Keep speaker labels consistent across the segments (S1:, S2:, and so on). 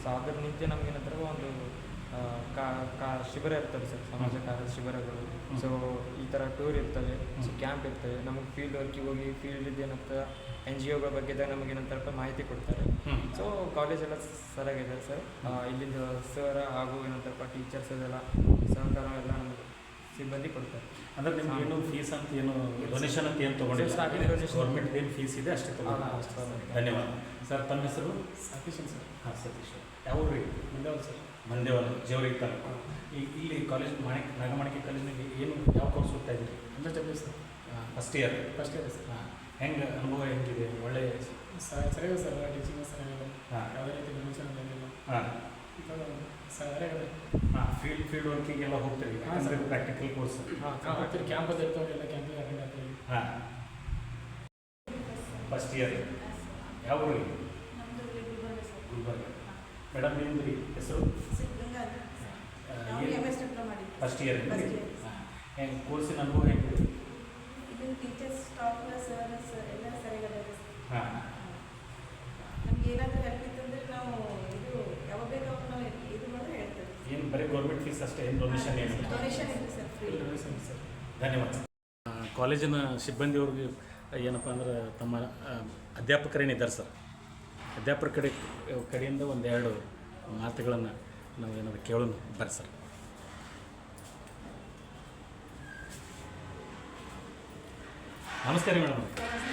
S1: So ಅದ್ರ ನಿಂತೆ ನಮಗೇನಂತಾರೆ ಒಂದು ಶಿಬಿರ ಇರ್ತವೆ ಸರ್, ಸಮಾಜ ಕಾರ್ಯದ ಶಿಬಿರಗಳು. ಸೊ ಈ ಥರ ಟೂರ್ ಇರ್ತವೆ, ಸೊ ಕ್ಯಾಂಪ್ ಇರ್ತವೆ. ನಮಗೆ ಫೀಲ್ಡ್ ವರ್ಕಿಗೆ ಹೋಗಿ ಫೀಲ್ಡ್ ಏನಂತ NGOಗಳ ಬಗ್ಗೆ ನಮಗೇನಂತಾರಪ್ಪ ಮಾಹಿತಿ ಕೊಡ್ತಾರೆ. ಸೊ ಕಾಲೇಜೆಲ್ಲ ಸರಿಯಾಗಿದೆ ಸರ್. ಇಲ್ಲಿಂದ ಸರ್ ಹಾಗೂ ಏನಂತಾರಪ್ಪ ಟೀಚರ್ಸ್ ಅದೆಲ್ಲ ಸಹಕಾರ ಎಲ್ಲ ನಮಗೆ ಸಿಬ್ಬಂದಿ ಕೊಡ್ತಾರೆ.
S2: ಅಂದರೆ ನಿಮ್ಗೆ ಏನು ಫೀಸ್ ಅಂತ ಏನು ಡೊನೇಷನ್ ಅಂತ ಏನು ತೊಗೊಂಡಿಲ್ಲ, ಗೌರ್ಮೆಂಟ್ ಏನು ಫೀಸ್ ಇದೆ ಅಷ್ಟೇ ತೊಗೊಂಡು. ಧನ್ಯವಾದ ಸರ್. ತಮ್ಮ ಹೆಸರು?
S3: ಸತೀಶ್ ಸರ್.
S2: ಹಾಂ, ಸತೀಶ್. ಯಾವ ಊರಿಗೆ?
S3: ಮಂಡ್ಯವಲ್ ಸರ್.
S2: ಮಂಡ್ಯವಲ್, ಜೇವರಿಗೆ ತಾಲೂಕು. ಇಲ್ಲಿ ಕಾಲೇಜ್ ನಾಗಮಾಣಿಕೆ ಕಾಲೇಜಿನಲ್ಲಿ ಏನು ಯಾವ ಕೋರ್ಸ್ ಓದ್ತಾ ಇದ್ದೀರಿ?
S3: ಅಂಡರ್ ಸರ್.
S2: First year
S3: sir.
S2: ಹಾಂ, ಹೆಂಗೆ ಅನುಭವ ಹೆಂಗಿದೆ? ಒಳ್ಳೆ
S3: ಸರಿಯಾಗಿದೆ ಸರ್, ಟೀಚಿಂಗ್ ಸರಿಯಾಗಿದೆ.
S2: ಹಾಂ,
S3: ಯಾವುದೇ ರೀತಿ ಡೊನೇಷನ್ ಏನಿಲ್ಲ.
S2: ಹಾಂ
S3: ಸರಿಯಾಗಿದೆ.
S2: ಹಾಂ, ಫೀಲ್ಡ್ ವರ್ಕಿಗೆಲ್ಲ ಹೋಗ್ತೀವಿ, ಅಂದರೆ ಪ್ರಾಕ್ಟಿಕಲ್ ಕೋರ್ಸ್.
S3: ಹೋಗ್ತೀವಿ, ಕ್ಯಾಂಪಸ್ ಇರ್ತಾವೆ, ಎಲ್ಲ ಕ್ಯಾಂಪಿಗೆ ಅಟೆಂಡ್ ಆಗ್ತೀವಿ.
S2: ಹಾಂ, ಫಸ್ಟ್ ಇಯರ್. ಯಾವ ಊರಿಗೆ? ಗುಲ್ಬರ್ಗ. ಮೇಡಮ್ ನಿಮ್ಮದು ಹೆಸರು? First year. ಹೆಂಗೆ ಕೋರ್ಸಿನ ಅನುಭವ ಹೆಂಗಿದೆ?
S4: ಟೀಚರ್ಸ್, ಸ್ಟಾಫ್, ಸರ್ ಎಲ್ಲ ಸರಿಯಾಗಿದೆ.
S2: ಹಾಂ,
S4: ನಮ್ಗೆ ಏನಾದರೂ ಹೆಲ್ಪ್ ಇತ್ತಂದ್ರೆ ನಾವು ಇದು ಯಾವಾಗ ಬೇಕಾದ್ರೂ ನಾವು ಇದು ಮಾಡಿ ಹೇಳ್ತೇವೆ.
S2: ಏನು ಬರೀ ಗೌರ್ಮೆಂಟ್ ಫೀಸ್ ಅಷ್ಟೇ, ಏನು ಡೊನೇಷನ್ ಏನು?
S4: ಡೊನೇಷನ್ ಇದೆ ಸರ್, ಫ್ರೀ
S3: ಡೊನೇಷನ್ ಸರ್.
S2: ಧನ್ಯವಾದ. ಕಾಲೇಜಿನ ಸಿಬ್ಬಂದಿಯವ್ರಿಗೆ ಏನಪ್ಪ ಅಂದ್ರೆ ತಮ್ಮ ಅಧ್ಯಾಪಕರೇನಿದ್ದಾರೆ ಸರ್, ಅಧ್ಯಾಪಕರ ಕಡೆಯಿಂದ ಒಂದೆರಡು ಮಾತುಗಳನ್ನು ನಾವು ಏನಾದ್ರು ಕೇಳೋಣ ಬರ್ರಿ ಸರ್. ನಮಸ್ಕಾರ ಮೇಡಮ್.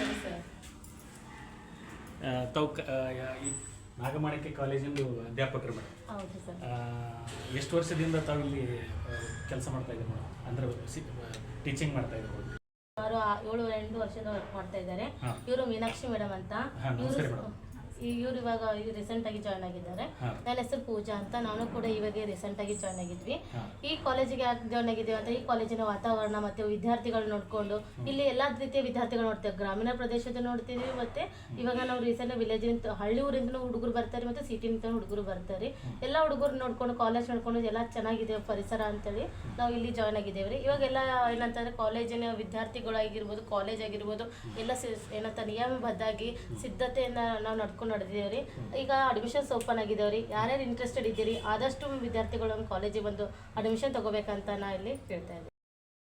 S2: ತಾವು ಈ ನಾಗಮಾಣಿಕೆ ಕಾಲೇಜಿಂದು ಅಧ್ಯಾಪಕರು ಮೇಡಮ್.
S5: ಹೌದು ಸರ್.
S2: ಎಷ್ಟು ವರ್ಷದಿಂದ ತಾವು ಇಲ್ಲಿ ಕೆಲಸ ಮಾಡ್ತಾ ಇದ್ದೀರಿ ಮೇಡಮ್? ಅಂದರೆ ಟೀಚಿಂಗ್ ಮಾಡ್ತಾ ಇದ್ದೀವಿ.
S5: ಸುಮಾರು 7-8 ವರ್ಷದ ವರ್ಕ್ ಮಾಡ್ತಾ ಇದ್ದಾರೆ. ಇವರು ಮೀನಾಕ್ಷಿ ಮೇಡಮ್ ಅಂತ. ಇವರು ಇವಾಗ ರೀಸೆಂಟ್ ಆಗಿ ಜಾಯ್ನ್ ಆಗಿದ್ದಾರೆ. ನನ್ನ ಹೆಸರು ಪೂಜಾ ಅಂತ. ನಾನು ಕೂಡ ಇವಾಗ ರೀಸೆಂಟ್ ಆಗಿ ಜಾಯ್ನ್ ಆಗಿದ್ವಿ. ಈ ಕಾಲೇಜಿಗೆ ಯಾಕೆ ಜಾಯ್ನ್ ಆಗಿದ್ದೀವಿ ಅಂತ, ಈ ಕಾಲೇಜಿನ ವಾತಾವರಣ ಮತ್ತೆ ವಿದ್ಯಾರ್ಥಿಗಳು ನೋಡಿಕೊಂಡು ಇಲ್ಲಿ ಎಲ್ಲ ರೀತಿಯ ವಿದ್ಯಾರ್ಥಿಗಳು ನೋಡ್ತೇವೆ. ಗ್ರಾಮೀಣ ಪ್ರದೇಶದ ನೋಡ್ತೀವಿ, ಮತ್ತೆ ಇವಾಗ ನಾವು ರೀಸೆಂಟ್ ವಿಲೇಜ್ ಹಳ್ಳಿ ಊರಿಂದ ಹುಡುಗರು ಬರ್ತಾರೆ, ಮತ್ತೆ ಸಿಟಿನಿಂದ ಹುಡುಗರು ಬರ್ತಾರೆ. ಎಲ್ಲ ಹುಡುಗರು ನೋಡ್ಕೊಂಡು ಕಾಲೇಜ್ ನೋಡ್ಕೊಂಡು ಎಲ್ಲ ಚೆನ್ನಾಗಿದೆ ಪರಿಸರ ಅಂತೇಳಿ ನಾವು ಇಲ್ಲಿ ಜಾಯ್ನ್ ಆಗಿದ್ದೇವೆ ರೀ. ಇವಾಗೆಲ್ಲ ಏನಂತಂದ್ರೆ ಕಾಲೇಜಿನ ವಿದ್ಯಾರ್ಥಿಗಳಾಗಿರ್ಬೋದು, ಕಾಲೇಜ್ ಆಗಿರ್ಬೋದು ಎಲ್ಲ ಏನಂತ ನಿಯಮಬದ್ಧಾಗಿ ಸಿದ್ಧತೆಯಿಂದ ನಾವು ನಡ್ಕೊಂಡು ನಡೆದಿದ್ದೇವೆ. ಈಗ ಅಡ್ಮಿಷನ್ಸ್ ಓಪನ್ ಆಗಿದ್ದೇವೆ ರೀ. ಯಾರ್ಯಾರು ಇಂಟ್ರೆಸ್ಟೆಡ್ ಇದ್ದೀರಿ ಆದಷ್ಟು ವಿದ್ಯಾರ್ಥಿಗಳು ನಮ್ಮ ಕಾಲೇಜಿಗೆ ಬಂದು ಅಡ್ಮಿಷನ್ ತಗೋಬೇಕಂತ ನಾ ಇಲ್ಲಿ ಹೇಳ್ತಾ ಇದ್ದೀನಿ.